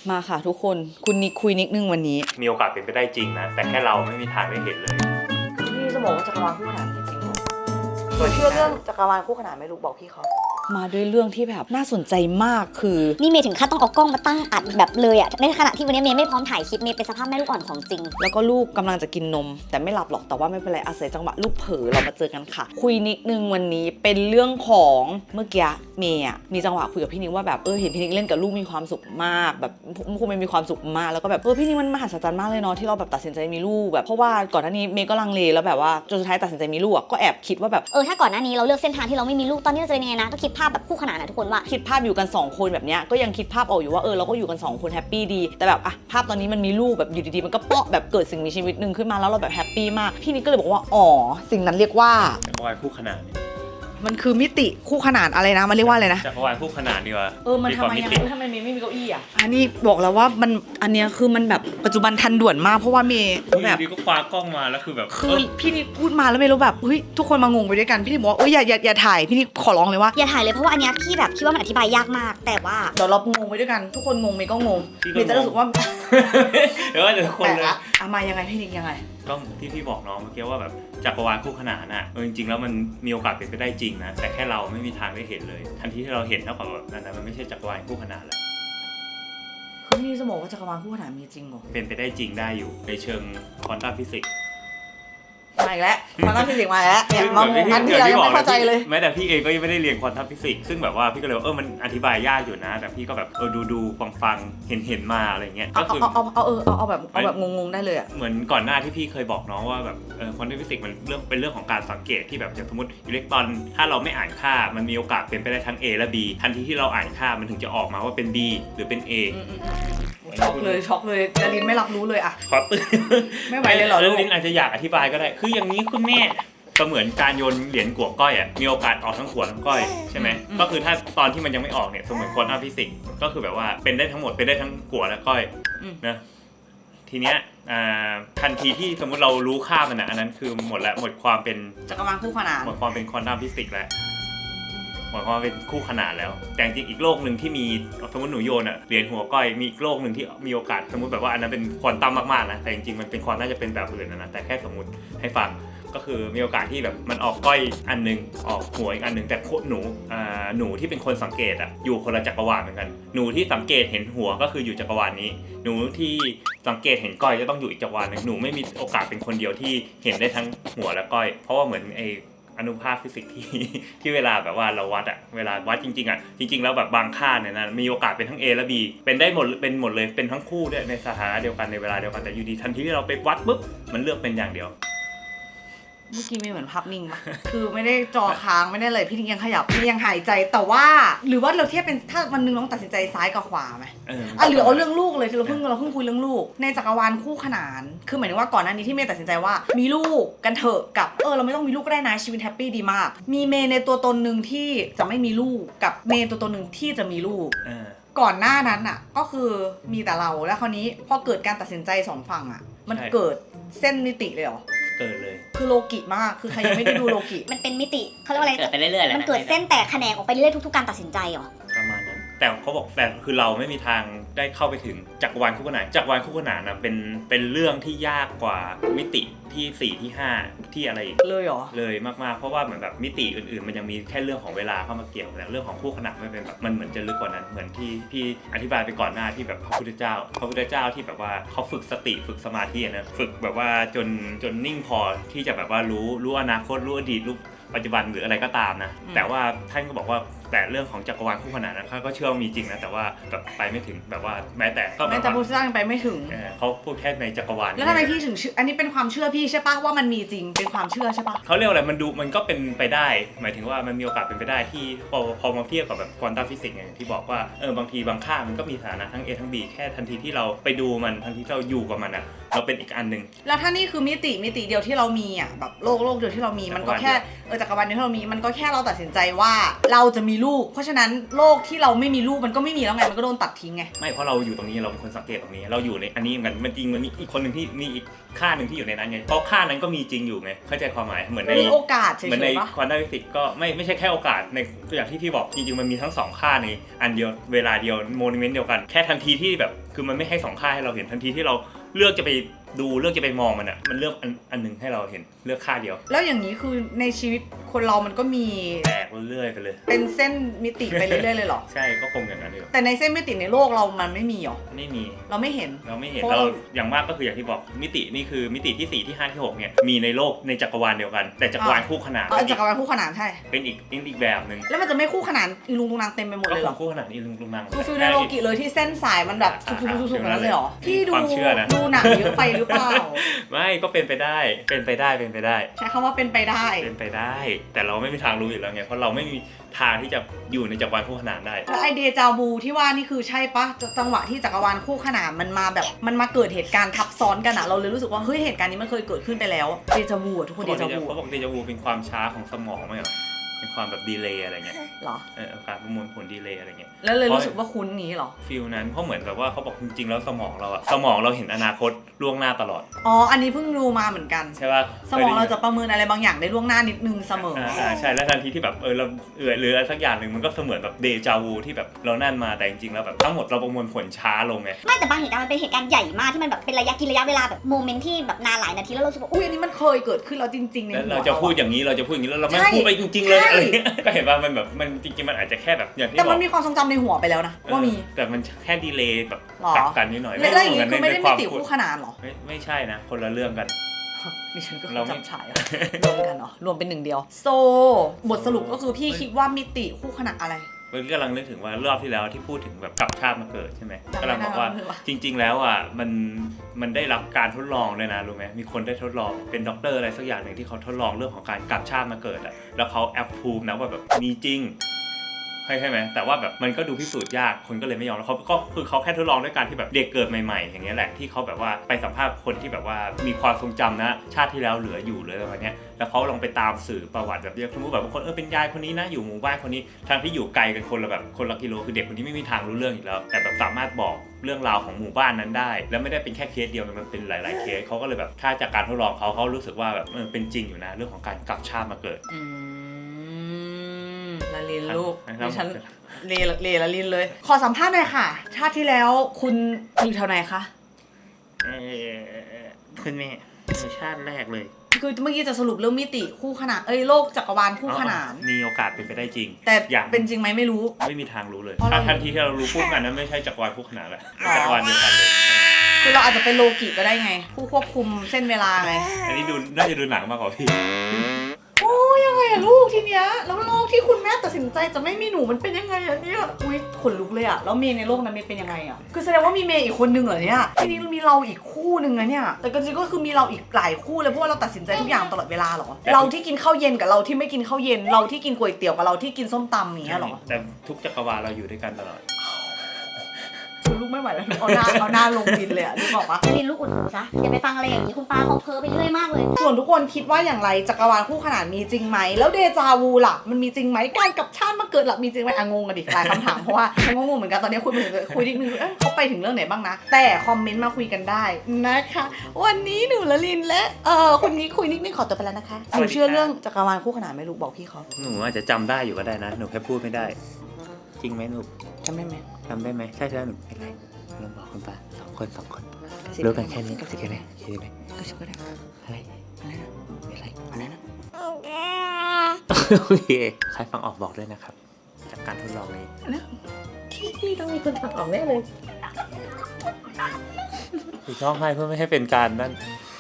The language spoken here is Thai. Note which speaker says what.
Speaker 1: มาค่ะทุกคนคุณนิกคุยนิดนึงวันนี้
Speaker 2: มีโอกาสเป็นไปได้จริงนะแต่แค่เราไม่มีทางได้เห็นเลย
Speaker 1: พี่จะบอกว่าจักรวาลคู่ขนานจริงเหรอเชื่อเรื่องจักรวาลคู่ขนานไม่รู้บอกพี่เขามาด้วยเรื่องที่แบบน่าสนใจมากคือ
Speaker 3: นี่เมย์ถึงขั้นต้องเอากล้องมาตั้งอัดแบบเลยอะในขณะที่วันนี้เมย์ไม่พร้อมถ่ายคลิปเมย์เป็นสภาพแม่ลูกอ่อนของจริง
Speaker 1: แล้วก็ลูกกำลังจะกินนมแต่ไม่หลับหรอกแต่ว่าไม่เป็นไรอาศัยจังหวะลูกเผลอเรามาเจอกันค่ะคุยนิดนึงวันนี้เป็นเรื่องของเมื่อกี้เมย์มีจังหวะคุยกับพี่นิกว่าแบบเห็นพี่นิกเล่นกับลูกมีความสุขมากแบบคงมีความสุขมากแล้วก็แบบพี่นิกมันมหัศจรรย์มากเลยเนาะที่เราแบบตัดสินใจมีลูกแบบเพราะว่าก่อนหน้านี้เมย์ก็ลังเลแล้วแบบว่าจนสุดท้ายตัดสินใจมีลูกก็แอบคิดว่าแบบ
Speaker 3: ถ้าก่อนหน้านี้เราเลือกเส้นทางที่เราไม่มีลูกตอนนี้เราจะเป็นยังไงนะก็คิดภาพแบบคู่ขนานนะทุกคนว่า
Speaker 1: คิดภาพอยู่กัน2คนแบบเนี้ยก็ยังคิดภาพออกอยู่ว่าเราก็อยู่กัน2คนแฮปปี้ดีแต่แบบภาพตอนนี้มันมีลูกแบบอยู่ดีๆมันก็เปาะแบบเกิดสิ่งมีชีวิตนึงขึ้นมาแล้วเราแบบแฮปปี้มากพี่นิกก็เลยบอกว่าสิ่งนั้นเรียกว่า
Speaker 2: จักรวาลคู่ขนาน
Speaker 1: มันคือมิติคู่ขนานอะไรนะมันเรียกว่าอะไรนะ
Speaker 2: จักรวาลคู่ขนานดีกว่า
Speaker 1: มันทำไมทำไมไม่มีเก้าอี้อันนี้บอกแล้วว่ามันอันเนี้ยคือมันแบบปัจจุบันทันด่วนมากเพราะว่าเมย์
Speaker 2: แบบดีก็คว้ากล้องมาแล้วคือแบบ
Speaker 1: พี่นิกพูดมาแล้วเมย์รู้แบบทุกคนมางงไปด้วยกันพี่นิกบอกว่าอย่าถ่ายพี่นิกขอร้องเลยว่า
Speaker 3: อย่าถ่ายเลยเพราะว่าอันเนี้ยพี่แบบคิดว่ามันอธิบายยากมากแต่ว่า
Speaker 1: เดี๋ยวเรางงไปด้วยกันทุกคนงงเมย์ก็งงเมย์จะรู้สึกว่า
Speaker 2: เดี๋ยวทุกคนเลย
Speaker 1: มายังไงพี่นิกยังไง
Speaker 2: ก็ที่พี่บอกน้องเมื่อกี้ว่าแบบจักรวาลคู่ขนานน่ะจริงๆแล้วมันมีโอกาสเป็นไปได้จริงนะแต่แค่เราไม่มีทางได้เห็นเลยทันทีที่เราเห็นเท่ากับแบบนั้นมันไม่ใช่จักรวาลคู่ขนานแล้ว
Speaker 1: คือพี่จะบอกว่าจักรวาลคู่ขนานมีจริงเหรอ
Speaker 2: เป็นไปได้จริงได้อยู่ในเชิงควอนตัมฟิสิกส์
Speaker 1: มาอีกแล้วควอนตัมฟิสิกส์มาแล้วเนี่ยมางงกันที่เรายังไม่เข้าใจเลย
Speaker 2: แม้แต่พี่เองก็ยังไม่ได้เรียนควอนตัมฟิสิกส์ซึ่งแบบว่าพี่ก็เลยมันอธิบายยากอยู่นะแต่พี่ก็แบบดูฟังเห็นมาอะไรเงี้ยก็คือ
Speaker 1: เอาแบบงงๆได้เลย
Speaker 2: เหมือนก่อนหน้าที่พี่เคยบอกน้องว่าแบบควอนตัมฟิสิกส์มันเป็นเรื่องของการสังเกตที่แบบอย่างสมมติอิเล็กตรอนถ้าเราไม่อ่านค่ามันมีโอกาสเป็นไปได้ทั้ง A และ B ทันทีที่เราอ่านค่ามันถึงจะออกมาว่าเป็น B หรือเป็น A
Speaker 1: ช็อกเลยจารินไม่รับรู้เลย
Speaker 2: ขอตื่น
Speaker 1: ไม่ไหวเลยเหรอลูก
Speaker 2: ลินอาจจะอยากอธิบายก็ได้คืออย่างนี้คุณแม่ก็เหมือนการโยนเหรียญกัวก้อยมีโอกาสออกทั้งขวดทั้งก้อยใช่ไหมก็คือถ้าตอนที่มันยังไม่ออกเนี่ยสมมติควอนตัมฟิสิกส์ก็คือแบบว่าเป็นได้ทั้งหมดเป็นได้ทั้งกัวและก้อยนะทีเนี้ยทันทีที่สมมติเรารู้ค่ามันอันนั้นคือหมดความเป็น
Speaker 1: จักรวาลคู่ขนาน
Speaker 2: หมดความเป็นควอนตัมฟิสิกส์แล้วหมายความว่าเป็นคู่ขนานแล้วแต่จริงอีกโลกหนึ่งที่มีสมมติหนูโยนเหรียญหัวก้อยมีอีกโลกหนึ่งที่มีโอกาสสมมติแบบว่าอันนั้นเป็นควอนตัมมากๆนะแต่จริงๆมันเป็นควอนน่าจะเป็นแบบอื่นนะแต่แค่สมมติให้ฟังก็คือมีโอกาสที่แบบมันออกก้อยอันนึงออกหัวอีกอันนึงแต่หนูที่เป็นคนสังเกตอยู่คนละจักรวาลเหมือนกันหนูที่สังเกตเห็นหัวก็คืออยู่จักรวาลนี้หนูที่สังเกตเห็นก้อยจะต้องอยู่อีกจักรวาลนึงหนูไม่มีโอกาสเป็นคนเดียวที่เห็นได้ทั้งหัวและก้อยเพราะว่าเหมือนอนุภาคฟิสิกส์ที่เวลาแบบว่าเราวัดเวลาวัดจริงๆแล้วแบบบางค่าเนี่ยนะมีโอกาสเป็นทั้ง A และ B เป็นได้หมดเลยเป็นทั้งคู่ด้วยในสถานะเดียวกันในเวลาเดียวกันแต่อยู่ดีทันทีที่เราไปวัดปุ๊บมันเลือกเป็นอย่างเดียว
Speaker 1: เมื่อกี้ไม่เหมือนภาพนิ่งปะคือไม่ได้จอค้างไม่ได้เลยพี่ยังขยับพี่ยังหายใจแต่ว่าหรือว่าเราเทียบเป็นถ้าวันนึงน้องตัดสินใจซ้ายกับขวาไหมหรือเอาเรื่องลูกเลยที่เราเพิ่งคุยเรื่องลูกในจักรวาลคู่ขนานคือหมายถึงว่าก่อนหน้านี้ที่เมย์ตัดสินใจว่ามีลูกกันเถอะกับเราไม่ต้องมีลูกก็ได้นะชีวิตแฮปปี้ดีมากมีเมย์ในตัวตนหนึ่งที่จะไม่มีลูกกับเมย์ตัวตนหนึ่งที่จะมีลูกก่อนหน้านั้นก็คือมีแต่เราแล้วคราวนี้พอเกิดการตัดสินใจสองฝั่งมันเกิดเส้นมิติเลยเหรอ
Speaker 2: เกิดเลย
Speaker 1: คือโลกิมากคือใครยังไม่ได้ดูโลกิ
Speaker 3: มันเป็นมิติเขาเรียกว่าอะไร
Speaker 4: เกิดไปเรื่อยๆ
Speaker 3: มันเกิดเส้นแตกแขนงออกไปเรื่อยๆทุกๆการตัดสินใจเหรอ
Speaker 2: ประมาณนั้นแต่เขาบอกแต่คือเราไม่มีทางได้เข้าไปถึงจักรวาลคู่ขนานจักรวาลคู่ขนานเป็นเรื่องที่ยากกว่ามิติที่4ที่5ที่อะไรอีก
Speaker 1: เลยเหรอ
Speaker 2: เลยมากๆเพราะว่าเหมือนแบบมิติอื่นๆมันยังมีแค่เรื่องของเวลาเข้ามาเกี่ยวแต่เรื่องของคู่ขนานไม่เป็นแบบมันเหมือนจะลึกกว่านั้นเหมือนที่พี่อธิบายไปก่อนหน้าที่แบบพระพุทธเจ้าที่แบบว่าเขาฝึกสติฝึกสมาธินะฝึกแบบว่าจนนิ่งพอที่จะแบบว่ารู้อนาคตรู้อดีตรู้ปัจจุบันหรืออะไรก็ตามนะแต่ว่าท่านก็บอกว่าแต่เรื่องของจักรวาลคู่ขนานนะเขาก็เชื่อว่ามีจริงนะแต่ว่าแบบไปไม่ถึงแบบว่าแม้แต่
Speaker 1: พุทธเจ้ายังไปไม่ถึง
Speaker 2: เขาพูดแค่ในจักรวาล
Speaker 1: แล้วทำไมพี่ถึงอันนี้เป็นความเชื่อพี่ใช่ปะว่ามันมีจริงเป็นความเชื่อใช่ปะ
Speaker 2: เขาเรียกอะไรมันก็เป็นไปได้หมายถึงว่ามันมีโอกาสเป็นไปได้ที่พอมาเทียบกับแบบควอนตัมฟิสิกส์อย่างที่บอกว่าบางทีบางค่ามันก็มีสถานะทั้ง A ทั้ง B แค่ทันทีที่เราไปดูมันทันทีที่เราอยู่กับมันเราเป็นอีกอันนึง
Speaker 1: แล้วถ้านี่คือมิติเดียวที่เรามีแบบโลกเดียวที่เรามีมันก็แค่จักรวาลเดียวที่เรามีมันก็แค่เราตัดสินใจว่าเราจะมีลูกเพราะฉะนั้นโลกที่เราไม่มีลูกมันก็ไม่มีแล้วไงมันก็โดนตัดทิ้งไง
Speaker 2: ไม่เพราะเราอยู่ตรงนี้เราเป็นคนสังเกตตรงนี้เราอยู่ในอันนี้เหมือนกันมันจริงมันมีอีกคนหนึ่งที่มีอีกค่าหนึ่งที่อยู่ในนั้นไงเพราะค่านั้นก็มีจริงอยู่ไงเข้าใจความหมายเหมือนใน
Speaker 1: โอกาสเฉยๆ
Speaker 2: เหมือนในควอนตัมฟิสิกส์ก็ไม่ใช่แค่โอกาสในตัวอย่างที่พี่บอกจริงๆมันมีทั้ง2ค่าในอันเดียวเวลาเดียวโมเมนต์เดียวกันแค่ทันทีที่แบบคือมันไม่ให้สองค่าให้เราเห็นทันทีที่เราเลือกจะไปดูเลือกจะไปมองมันอ่ะมันเลือกอันหนึ่งให้เราเห็นเลือกค่าเดียว
Speaker 1: แล้วอย่างนี้คือในชีวิตคนเรามันก็มี
Speaker 2: แตกเรื่อยๆไปเลย
Speaker 1: เป็นเส้นมิติไปเรื่อยๆเลยเหรอ
Speaker 2: ใช่ก็คงอย่างนั้นเลย
Speaker 1: แต่ในเส้นมิติในโลกเรามันไม่มีหรอ
Speaker 2: ไม่มี
Speaker 1: เราไม่เห็น
Speaker 2: เราไม่เห็น
Speaker 1: เพราะ
Speaker 2: เรา
Speaker 1: เรา
Speaker 2: อย่างมากก็คืออย่างที่บอกมิตินี่คือมิติที่4ที่5ที่6เนี่ยมีในโลกในจักรวาลเดียวกัน แต่จักรวาลคู่ขนาน
Speaker 1: จักรวาลคู่ขนานใช่
Speaker 2: เป็นอีกแบบหนึ่ง
Speaker 1: แล้วมันจะไม่คู่ขนานอีลุงตุงนางเต็มไปหมด
Speaker 2: ก็
Speaker 1: เลย
Speaker 2: ค
Speaker 1: เหรอ
Speaker 2: งคู่ขนานอีลุงนัง
Speaker 1: คือฟิลในโลกิเลยที่เส้นสายมันแบบสุกๆๆๆนั้นเลยเหรอพี่ดู
Speaker 2: ความเชื่อนะ
Speaker 1: ดูหนังเยอะไปหรือเปล่า
Speaker 2: ไม่ก็เป็นไปได้เป็นไปได้
Speaker 1: ใช้คำว่าเป็นไปได้
Speaker 2: เป็นไปได้ แต่เราไม่มีทางรู้อยู่แล้วไงเพราะเราไม่มีทางที่จะอยู่ในจักรวาลคู่ขนานได้
Speaker 1: แล้วไอเดจาวูที่ว่านี่คือใช่ปะจังหวะที่จักรวาลคู่ขนานมันมาแบบมันมาเกิดเหตุการณ์ทับซ้อนกันอะเราเลยรู้สึกว่าเฮ้ยเหตุการณ์นี้มันเคยเกิดขึ้นไปแล้วเดจาวูอะทุกคนเดจาวู
Speaker 2: เขาบอกเดจาวูเป็นความช้าของสมองไหมเหรอเป็นความแบบดีเลย์อะไรเงี้ย
Speaker 1: เหรอ
Speaker 2: การประมวลผลดีเลย์อะไรเงี้ย
Speaker 1: แล้วเลยรู้สึกว่าคุ้นนี้เหรอ
Speaker 2: ฟิลนั้นเพราะเหมือนแบบว่าเขาบอกจริงๆแล้วสมองเราเห็นอนาคตล่วงหน้าตลอด
Speaker 1: อ๋ออันนี้เพิ่งรู้มาเหมือนกัน
Speaker 2: ใช่ป่ะ
Speaker 1: สมองเราจะประเมินอะไรบางอย่างได้ล่วงหน้านิดนึงเสมอ
Speaker 2: ใช่แล้วทันทีที่แบบเราหรืออะไรสักอย่างหนึ่งมันก็เสมือนแบบเดจาวูที่แบบเรานั่นมาแต่จริงๆแล้วแบบทั้งหมดเราประมวลผลช้าลงไง
Speaker 3: ไม่แต่บางเหตุการณ์มันเป็นเหตุการณ์ใหญ่มากที่มันแบบเป็นระยะเวลาแบบโมเมนต์ที่แบบนานหลายนาทีแล้วเรารู้สึกว่า
Speaker 1: อุ้ยอันนี้มันเคยเกิดขึ้นแล้วจริงๆใน
Speaker 2: แล้ว
Speaker 1: หัว
Speaker 2: เราจะพูดอย่างนี้เราจะพูดอย่างนี้แล้วเราไม่พูดไปจริงๆเลยอะไรเงี้ยก็เห็นว่ามันแบบมันจริงๆมันอาจจะแค่แบบอย่างที่
Speaker 1: แต่
Speaker 2: บ
Speaker 1: มั
Speaker 2: อน ก
Speaker 1: มีความทรงจำในหัวไปแล้วนะว่ามี
Speaker 2: แต่มันแค่ดีเลย์แบบ
Speaker 1: หรอ
Speaker 2: กลับกันนิดหน่อย
Speaker 1: แล้วอย่างนี้คือไม่ได้
Speaker 2: ใน
Speaker 1: มิ
Speaker 2: วา
Speaker 1: ติ
Speaker 2: พูด
Speaker 1: คู่ขนานเหรอ
Speaker 2: ไม่ใช่นะคนละเรื่องกัน
Speaker 1: ดิฉันก็
Speaker 2: เราไม่
Speaker 1: จับฉายอะรวมกันเหรอรวมเป็นหนึ่งเดียวโซบทสรุปก็คือพี่คิดว่ามิติคู่ขนานอะไร
Speaker 2: เมื่อกี้กำลังนึกถึงว่ารอบที่แล้วที่พูดถึงแบบกลับชาติมาเกิดใช่ไหม
Speaker 1: จำไม่ได้
Speaker 2: กำลังบอกว่า
Speaker 1: แล้ว
Speaker 2: จริง ๆ แล้วอ่ะมันได้รับการทดลองเลยนะรู้ไหมมีคนได้ทดลองเป็นด็อกเตอร์อะไรสักอย่างหนึ่งที่เขาทดลองเรื่องของการกลับชาติมาเกิดอะแล้วเขาแอปพูมนะว่าแบบมีจริงใช่ไหมแต่ว่าแบบมันก็ดูพิสูจน์ยากคนก็เลยไม่ยอมแล้วเขาก็คือเขาแค่ทดลองด้วยการที่แบบเด็กเกิดใหม่ๆอย่างเงี้ยแหละที่เขาแบบว่าไปสัมภาษณ์คนที่แบบว่ามีความทรงจำนะชาติที่แล้วเหลืออยู่เลยประมาณเนี้ยแล้วเขาลองไปตามสื่อประวัติแบบเยอะสมมติแบบบางคนเป็นยายคนนี้นะอยู่หมู่บ้านคนนี้ทางที่อยู่ไกลกันคนละแบบคนละกิโลคือเด็กคนนี้ไม่มีทางรู้เรื่องอีกแล้วแต่แบบสามารถบอกเรื่องราวของหมู่บ้านนั้นได้แล้วไม่ได้เป็นแค่เคสเดียวมันเป็นหลายๆเคสเขาก็เลยแบบถ้าจากการทดลองเขารู้สึกว่าแบบเป็นจริงอยู่นะเรื่องของการกลับชาติมาเกิด
Speaker 1: ละลินลูก
Speaker 2: ครับ
Speaker 1: ดิฉันเลละลินเลย ขอสัมภาษณ์หน่อยค่ะ ชาติที่แล้วคุณอยู่แถวไหนคะ
Speaker 2: คุณแม่ชาติแรกเลย
Speaker 1: คือเมื่อกี้จะสรุปเรื่องมิติคู่ขนานโลกจักรวาลคู่ขนาน
Speaker 2: มีโอกาสเป็นไปได้จริง
Speaker 1: แต่
Speaker 2: อย่าง
Speaker 1: เป็นจริงไหมไม่รู้
Speaker 2: ไม่มีทางรู้เลย
Speaker 1: เพราะเรา
Speaker 2: ถ้าทันทีที่เรารู้ปุ๊บอันนั้นไม่ใช่จักรวาลคู่ขนานแล้วจักรวาลเดียวกันเลย
Speaker 1: คือเราอาจจะเป็นโลกิก็ได้ไง ผู้ควบคุมเส้นเวลาไง
Speaker 2: อันนี้ดูน่าจะดูหนังมากกว่าพี่
Speaker 1: โอ้ยยังไงอะลูกทีเนี้ยแล้วโลกที่คุณแม่ตัดสินใจจะไม่มีหนูมันเป็นยังไงอะเนี่ยอุ้ยขนลุกเลยอะแล้วเมย์ในโลกนั้นเมย์เป็นยังไงอะคือแสดงว่ามีเมย์อีกคนนึงเหรอเนี่ยทีนี้มีเราอีกคู่นึงอะเนี่ยแต่ก็จริงก็คือมีเราอีกหลายคู่เลยเพราะว่าเราตัดสินใจทุกอย่างตลอดเวลาเหรอเราที่กินข้าวเย็นกับเราที่ไม่กินข้าวเย็นเราที่กินก๋วยเตี๋ยวกับเราที่กินส้มตำอย่างเงี้ยเหรอ
Speaker 2: แต่ทุกจักรวาลเราอยู่ด้วยกันตลอด
Speaker 1: คุณลูกไม่ไหวแล้วเอาหน้าลงดินเลยอะนึกออกปะ
Speaker 3: ลินลูกอุดหูซะอย่าไปฟังอะไรอย่างนี้คุณป้าเขาเพ้อไปเรื่อยมากเลย
Speaker 1: ส่วนทุกคนคิดว่าอย่างไรจักรวาลคู่ขนานมีจริงไหมแล้วเดจาวูล่ะมันมีจริงไหมการกลับชาติมาเกิดล่ะมีจริงไหมงงกันดิหลายคำถามเพราะว่าฉันก็งงเหมือนกันตอนนี้คุยนิดนึงเขาไปถึงเรื่องไหนบ้างนะแต่คอมเมนต์มาคุยกันได้นะคะ วันนี้หนูละลินและคนนี้คุยนิดนึงขอตัวไปแล้วนะคะหนูเชื่อเรื่องจักรวาลคู่ขนานไหมลูกบอกพี่เขา
Speaker 2: หนูอาจจะจำได้อยู่ก็ได้นะหนูแค่พูดไม่ได้ จริงไหมหนู
Speaker 1: จำได้ไหม
Speaker 2: จำได้ไหมใช่หนูเป็นไรลองบอกคุณป้าสองคนรู้กันแค่นี้แค่นี้คิดไหม
Speaker 1: ก็ชิบก็ได้
Speaker 2: อะไร
Speaker 1: อะไรนะ
Speaker 2: เป็นไร
Speaker 1: อะไรนะ
Speaker 2: โอเคใครฟังออกบอกด้วยนะครับจากการทดลองนี้
Speaker 1: พี่ต้องมีคนฟังออกแน่เลย
Speaker 2: คือร้องไห้เพื่อไม่ให้เป็นการนั่น